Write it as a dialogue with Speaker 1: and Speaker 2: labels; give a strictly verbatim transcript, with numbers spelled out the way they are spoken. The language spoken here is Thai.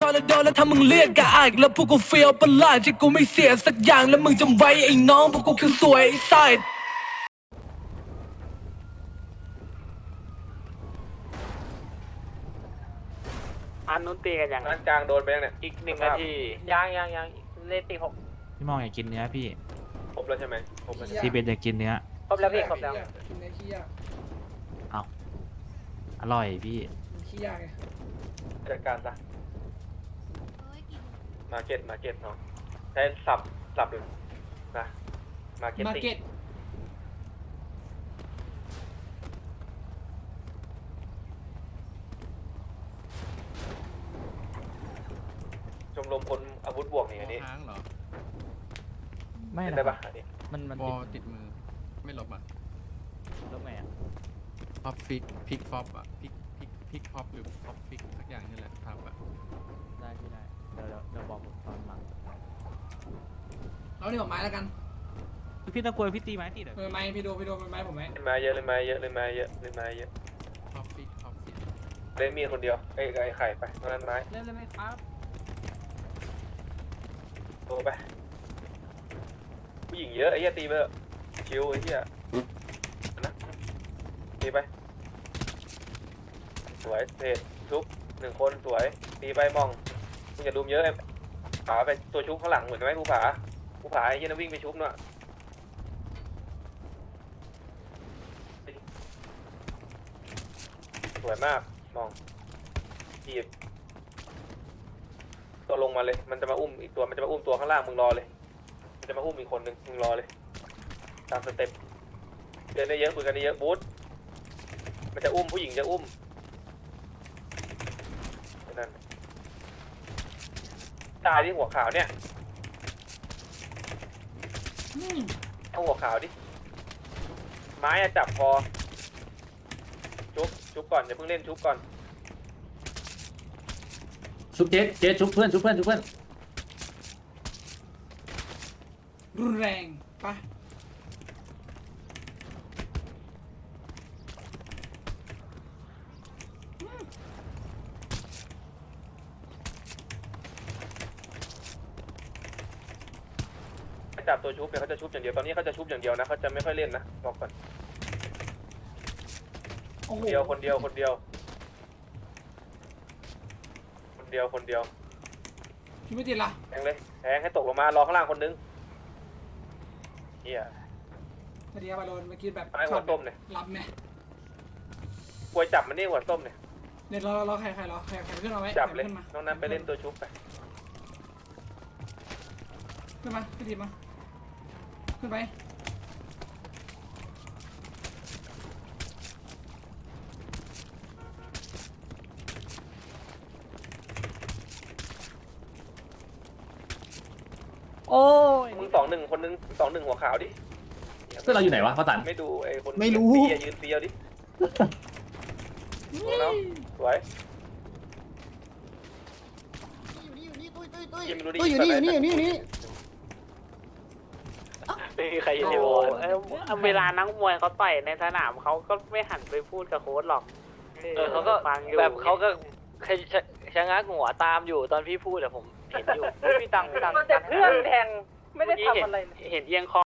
Speaker 1: อนแล้วโดนแล้วถ้ามึงเรียกกะอายแล้วพวกกูเฟียวประหลาดที่กูไม่เสียสักอย่างแล้วมึงจำไว้ไอ้น้องพวกกูคือสวยไอ้ไซด์
Speaker 2: อันนู้นตีกันยัง
Speaker 3: ร้านกลางโดนไปยังเนี่ย
Speaker 2: อีกหนึ่งนาทียังยังยังเลตีหก
Speaker 4: พี่มองอยากกินเนื้อพี่
Speaker 3: ครบแล้วใช่ไหมครบแล้วใช่ไหม
Speaker 4: ซีเบนอยากกินเนื้อ
Speaker 2: ครบแล้วพี่ครบแล้ว
Speaker 5: กินในขี้ยาก
Speaker 4: เอาอร่อยพี่
Speaker 5: มันขี้ยากไง
Speaker 3: จัดการซะมาเก็ตมาเก็ตเนาะใช้สับสับเลยนะมาเก็ต
Speaker 5: มา
Speaker 3: ติ้ง
Speaker 5: เก็ต
Speaker 3: ชมรมคนอาวุธบวกนี่อันนี้
Speaker 6: ค้างเหรอ
Speaker 4: ไม่
Speaker 3: เห็น
Speaker 4: นะ
Speaker 3: ได้ปะอันนี้
Speaker 4: มันมัน
Speaker 6: บอติดมือ ไม่ลบอ่ะ
Speaker 4: ลบไงอ่ะ
Speaker 6: ฟอปฟิกพิกฟอปอ่ะพิกพิกพิกฟอปหรือฟอปฟิกสักอย่างนี่แหละครับอ่ะ
Speaker 4: ได้พี่ได้เดี๋ยวเดี๋ยวเดี๋ยวบอกผมตอนหลัง
Speaker 5: เราเนี่ยผมไม้แล้วกัน
Speaker 4: พี่ตะกวยพี่ตีไม้ตีเดี๋ยว
Speaker 5: เออไม้พี่ดูพี่ดูไม้ผมไหม
Speaker 3: เล่นมาเยอะเล่นมาเยอะเล่นมาเยอะเล่นมาเยอะ
Speaker 6: ฟอปฟิกฟอปฟิก
Speaker 3: เล่นมีดคนเดียวไอ้ไอ้ไข่ไปตอนนั้นไม้
Speaker 5: เล่นเลยไหมครับ
Speaker 3: โตไปผู้หญิงเยอะไอ้เหี้ยตีไปเถอะชิวไอ้เหี้ยนะตีไปสวยเพจชุบหนึ่งคนสวยตีไปมองมึงอย่าดุมเยอะไอ้ผาไปตัวชุบข้างหลังเหมือนไหมผู้ผาผู้ผาไอ้เหี้ยนั่นวิ่งไปชุบเนาะสวยมากมองจีบตัวลงมาเลยมันจะมาอุ้มอีกตัวมันจะมาอุ้มตัวข้างล่างมึงรอเลยมันจะมาอุ้มอีกคนหนึ่งมึงรอเลยตามสเต็ปเดินได้เยอะคุยกันได้เยอะบูธมันจะอุ้มผู้หญิงจะอุ้มนั่นตายที่หัวขาวเนี่ยเอาหัวขาวดิไม้อะจับคอชุบชุบก่อนอย่าเพิ่งเล่นชุบก่อน
Speaker 7: ชุบเจ๊เจ๊ชุบเพื่อนชุบเพื่อนชุบเพื่อน
Speaker 5: รุนแรงปะ
Speaker 3: จับตัวชุบเนี่ยเขาจะชุบอย่างเดียวตอนนี้เขาจะชุบอย่างเดียวนะเขาจะไม่ค่อยเล่นนะบอกก่อน
Speaker 5: โอ้โห
Speaker 3: เดียวคนเดียวคนเดียวคนเดียวคนเดียว
Speaker 5: ชุดไม่ติดละ
Speaker 3: แทงเลยแทงให้ตกลงมารอข้างล่างคนนึงเฮีย
Speaker 5: พอดีบอลโดนเมื่อกี้แบบ
Speaker 3: ไอ้หัวต้มเนี่ย
Speaker 5: รับไหม
Speaker 3: กวยจับมันนี่หัวต้มเนี่ย
Speaker 5: เดี๋ยวรอรอใครใครรอใครใครขึ้นมาไหม
Speaker 3: จับเลย
Speaker 5: ขึ้นมา
Speaker 3: น้องนั้นไปเล่นตัวชุบไป
Speaker 5: ขึ้นมาขึ้นทีมาขึ้นไป
Speaker 2: โอ้ย
Speaker 3: มึงสองหนึ่งคนนึงสองหนึ่งหัวขาวดิ
Speaker 7: เพื่อนเราอยู่ไหนวะพ่อสัน
Speaker 3: ไม่ดูไอ้คน
Speaker 7: ไม่รู้
Speaker 3: เปียยืนเปียดิดูแล้วสวยยิงไม่รู้ดิ
Speaker 7: ตุ้ยอยู่นี่อยู่นี่อยู่นี่อยู่นี่
Speaker 2: ไม่มีใครอยู่ในวอลเอ้ยเวลานักมวยเขาต่อยในสนามเขาก็ไม่หันไปพูดกับโค้ชหรอก
Speaker 8: เออเขาก็
Speaker 2: ฟังอยู่
Speaker 8: แบบเขาก็ชะชะงักหัวตามอยู่ตอนพี่พูดอะผมเห็นอยู่
Speaker 2: พี่ตังพี่ตังแต่เพื่อนแทงไม่ได้ทำอะไรเห็นเอียงคอ